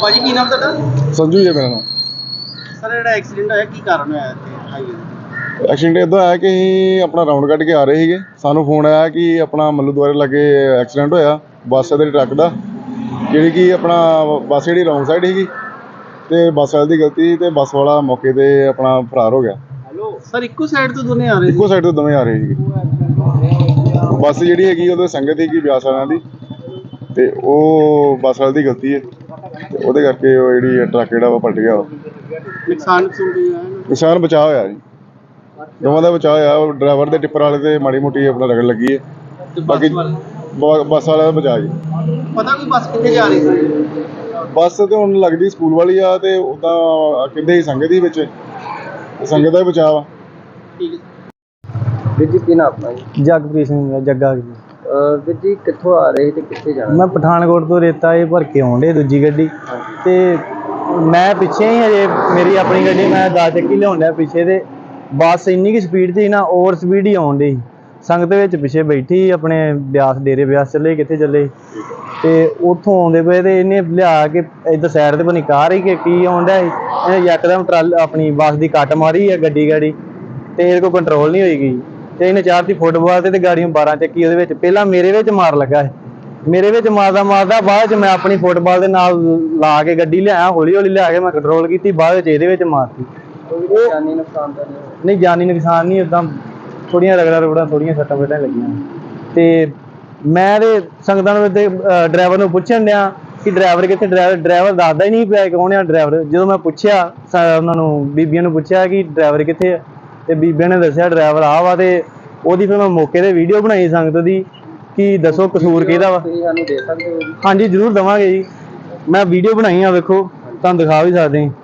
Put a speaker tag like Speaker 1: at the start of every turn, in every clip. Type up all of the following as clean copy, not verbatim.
Speaker 1: ਭਾਜੀ ਕੀ ਨਾਮ ਤੁਹਾਡਾ?
Speaker 2: ਸੰਜੂ ਜੀ ਮੇਰਾ ਨਾਮ।
Speaker 1: ਸਰ ਜਿਹੜਾ ਐਕਸੀਡੈਂਟ ਹੋਇਆ ਕੀ ਕਾਰਨ ਹੋਇਆ ਇੱਥੇ ਹਾਈਵੇ ਤੇ?
Speaker 2: ਐਕਸੀਡੈਂਟ ਇੱਦਾਂ ਆਇਆ ਕਿ ਅਸੀਂ ਆਪਣਾ ਰਾਉਂਡ ਕੱਢ ਕੇ ਆ ਰਹੇ ਸੀਗੇ। ਸਾਨੂੰ ਫੋਨ ਆਇਆ ਕਿ ਆਪਣਾ ਮੱਲੂ ਦੁਆਰੇ ਲਾਗੇ ਐਕਸੀਡੈਂਟ ਹੋਇਆ ਬੱਸ ਦੇ ਟਰੱਕ ਦਾ, ਜਿਹੜੀ ਕਿ ਆਪਣਾ ਬੱਸ ਜਿਹੜੀ ਰੌਂਗ ਸਾਈਡ ਸੀਗੀ ਅਤੇ ਬੱਸ ਵਾਲੇ ਦੀ ਗਲਤੀ ਅਤੇ ਬੱਸ ਵਾਲਾ ਮੌਕੇ 'ਤੇ ਆਪਣਾ ਫਰਾਰ ਹੋ ਗਿਆ।
Speaker 1: ਸਰ ਇੱਕੋ ਸਾਈਡ ਤੋਂ ਦੋਨੇ ਆ ਰਹੇ
Speaker 2: ਇੱਕੋ ਸਾਈਡ ਤੋਂ ਦੋਵੇਂ ਆ ਰਹੇ ਸੀਗੇ। ਬੱਸ ਜਿਹੜੀ ਹੈਗੀ ਉਹਦੇ ਸੰਗਤ ਸੀਗੀ ਬਿਆਸ ਵਾਲਿਆਂ ਦੀ, ਅਤੇ ਉਹ ਬੱਸ ਵਾਲੇ ਦੀ ਗਲਤੀ ਹੈ ਅਤੇ ਉਹਦੇ ਕਰਕੇ ਉਹ ਜਿਹੜੀ ਟਰੱਕ ਜਿਹੜਾ ਵਾ ਪਲਟ ਗਿਆ ਵਾ।
Speaker 1: ਨੁਕਸਾਨ
Speaker 2: ਨੁਕਸਾਨ ਬਚਾਅ ਹੋਇਆ ਜੀ, ਦੋਵਾਂ ਦਾ ਬਚਾਅ ਹੋਇਆ। ਉਹ ਡਰਾਈਵਰ ਦੇ ਟਿੱਪਰ ਵਾਲੇ ਤੇ ਮਾੜੀ ਮੋਟੀ ਆਪਣਾ ਰਗੜ ਲੱਗੀ ਹੈ, ਬਾਕੀ ਬੱਸ ਵਾਲਾ ਦਾ ਬਚਾਅ ਜੀ।
Speaker 1: ਪਤਾ ਕੋਈ ਬੱਸ ਕਿੱਥੇ ਜਾ ਰਹੀ ਸੀ?
Speaker 2: ਬੱਸ ਤੇ ਹੁਣ ਲੱਗਦੀ ਸਕੂਲ ਵਾਲੀ ਆ, ਤੇ ਉੱਦਾਂ ਕਹਿੰਦੇ ਸੀ ਸੰਗਤ ਹੀ ਵਿੱਚ, ਸੰਗਤ ਦਾ ਹੀ ਬਚਾਅ ਵਾ।
Speaker 1: ਠੀਕ ਹੈ ਵੀਰ ਜੀ, ਕੀ ਨਾਮ ਆਪਣਾ ਜੀ?
Speaker 3: ਜਗਪ੍ਰੀਤ ਸਿੰਘ ਜੱਗਾ ਜੀ।
Speaker 1: ਵੀਰ ਜੀ ਕਿੱਥੋਂ ਆ ਰਹੇ ਤੇ ਕਿੱਥੇ ਜਾਣਾ?
Speaker 3: ਮੈਂ ਪਠਾਨਕੋਟ ਤੋਂ ਰੇਤਾ ਇਹ ਭਰ ਕੇ ਆਉਣ ਡੇ ਦੂਜੀ ਗੱਡੀ, ਤੇ ਮੈਂ ਪਿੱਛੇ ਹੀ ਹਜੇ ਮੇਰੀ ਆਪਣੀ ਗੱਡੀ ਮੈਂ 10 ਚੱਕੀ ਲਿਆਉਣ ਡਿਆ ਪਿੱਛੇ, ਤੇ ਬੱਸ ਇੰਨੀ ਕੁ ਸਪੀਡ 'ਚ ਸੀ ਨਾ, ਓਵਰ ਸਪੀਡ ਹੀ ਆਉਣ ਡਈ। ਸੰਗਤ ਵਿੱਚ ਪਿੱਛੇ ਬੈਠੀ ਆਪਣੇ ਬਿਆਸ ਡੇਰੇ ਬਿਆਸ ਚੱਲੇ ਕਿੱਥੇ ਚੱਲੇ, ਤੇ ਉੱਥੋਂ ਆਉਂਦੇ ਪਏ ਤੇ ਇਹਨੇ ਲਿਆ ਕੇ ਇੱਧਰ ਸਾਈਡ ਤੇ ਬਣੀ ਕਾਰ ਹੀ ਕਿ ਕੀ ਆਉਣ ਡਿਆ ਸੀ, ਇਹਨੇ ਯਕਦਮ ਆਪਣੀ ਬੱਸ ਦੀ ਕੱਟ ਮਾਰੀ ਹੈ ਗੱਡੀ ਤੇ ਇਹਦੇ ਕੋਲ ਕੰਟਰੋਲ ਨਹੀਂ ਹੋਈ ਗਈ, ਤੇ ਇਹਨੇ ਚਾੜਤੀ ਫੁੱਟਬਾਲ ਤੇ ਗਾੜੀਆਂ 12 ਚੱਕੀ ਉਹਦੇ ਵਿੱਚ। ਪਹਿਲਾਂ ਮੇਰੇ ਵਿੱਚ ਮਾਰ ਲੱਗਾ ਹੈ, ਮੇਰੇ ਵਿੱਚ ਮਾਰਦਾ ਬਾਅਦ 'ਚ ਮੈਂ ਆਪਣੀ ਫੁੱਟਬਾਲ ਦੇ ਨਾਲ ਲਾ ਕੇ ਗੱਡੀ ਲਿਆਇਆ, ਹੌਲੀ ਹੌਲੀ ਲਿਆ ਕੇ ਮੈਂ ਕੰਟਰੋਲ ਕੀਤੀ, ਬਾਅਦ ਵਿੱਚ ਇਹਦੇ ਵਿੱਚ ਮਾਰਤੀ।
Speaker 1: ਜਾਨੀ ਨੁਕਸਾਨ ਤਾਂ
Speaker 3: ਨਹੀਂ, ਜਾਨੀ ਨੁਕਸਾਨ ਨਹੀਂ, ਉੱਦਾਂ ਥੋੜ੍ਹੀਆਂ ਰਗੜਾਂ ਥੋੜ੍ਹੀਆਂ ਸੱਟਾਂ ਫੇਟਾਂ ਲੱਗੀਆਂ। ਤੇ ਮੈਂ ਤੇ ਸੰਗਤਾਂ ਨੂੰ ਡਰਾਈਵਰ ਨੂੰ ਪੁੱਛਣ ਡਿਆ ਕਿ ਡਰਾਈਵਰ ਕਿੱਥੇ, ਡਰਾਈਵਰ ਦੱਸਦਾ ਹੀ ਨਹੀਂ ਪਿਆ ਕੌਣ ਆ ਡਰਾਈਵਰ। ਜਦੋਂ ਮੈਂ ਪੁੱਛਿਆ ਉਹਨਾਂ ਨੂੰ, ਬੀਬੀਆਂ ਨੂੰ ਪੁੱਛਿਆ ਕਿ ਡਰਾਈਵਰ ਕਿੱਥੇ ਆ, ਤੇ ਬੀਬੀਆਂ ਨੇ ਦੱਸਿਆ ਡਰਾਈਵਰ ਆ ਵਾ। ਤੇ ਉਹਦੀ ਫਿਰ ਮੈਂ ਮੌਕੇ 'ਤੇ ਵੀਡੀਓ ਬਣਾਈ ਸੰਗਤ ਦੀ ਕਿ ਦੱਸੋ ਕਸੂਰ ਕਿਹਦਾ ਵਾ।
Speaker 1: ਤੁਸੀਂ ਸਾਨੂੰ ਦੇ ਸਕਦੇ ਹੋ ਜੀ?
Speaker 3: ਹਾਂਜੀ ਜ਼ਰੂਰ ਦੇਵਾਂਗੇ ਜੀ, ਮੈਂ ਵੀਡੀਓ ਬਣਾਈ ਆ, ਵੇਖੋ ਤੁਹਾਨੂੰ ਦਿਖਾ ਵੀ ਸਕਦੇ ਹਾਂ।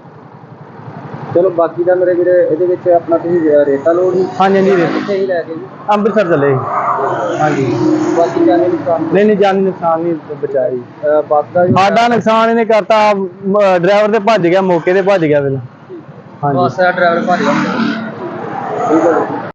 Speaker 1: ਚਲੋ ਬਾਕੀ ਦਾ ਮੇਰੇ ਵੀਰੇ ਇਹਦੇ ਵਿੱਚ ਆਪਣਾ ਤੁਸੀਂ ਰੇਤਾ ਲੋਡ ਹੀ?
Speaker 3: ਹਾਂਜੀ ਹਾਂਜੀ,
Speaker 1: ਕਿੱਥੇ ਹੀ ਲੈ ਕੇ ਜੀ?
Speaker 3: ਅੰਮ੍ਰਿਤਸਰ ਚੱਲੇ ਜੀ। ਹਾਂਜੀ,
Speaker 1: ਬਾਕੀ ਜਾਨੀ ਨੁਕਸਾਨ?
Speaker 3: ਨਹੀਂ ਜਾਨੀ ਨੁਕਸਾਨ ਨਹੀਂ ਬਚਾਈ।
Speaker 1: ਬੱਸ ਦਾ
Speaker 3: ਸਾਡਾ ਨੁਕਸਾਨ ਇਹਨੇ ਕਰਤਾ, ਡਰਾਈਵਰ ਤੇ ਭੱਜ ਗਿਆ, ਮੌਕੇ ਤੇ ਭੱਜ ਗਿਆ ਪਹਿਲਾਂ। ਹਾਂਜੀ,
Speaker 1: ਬੱਸ ਦਾ ਡਰਾਈਵਰ ਭੱਜ ਗਿਆ। ਠੀਕ ਹੈ।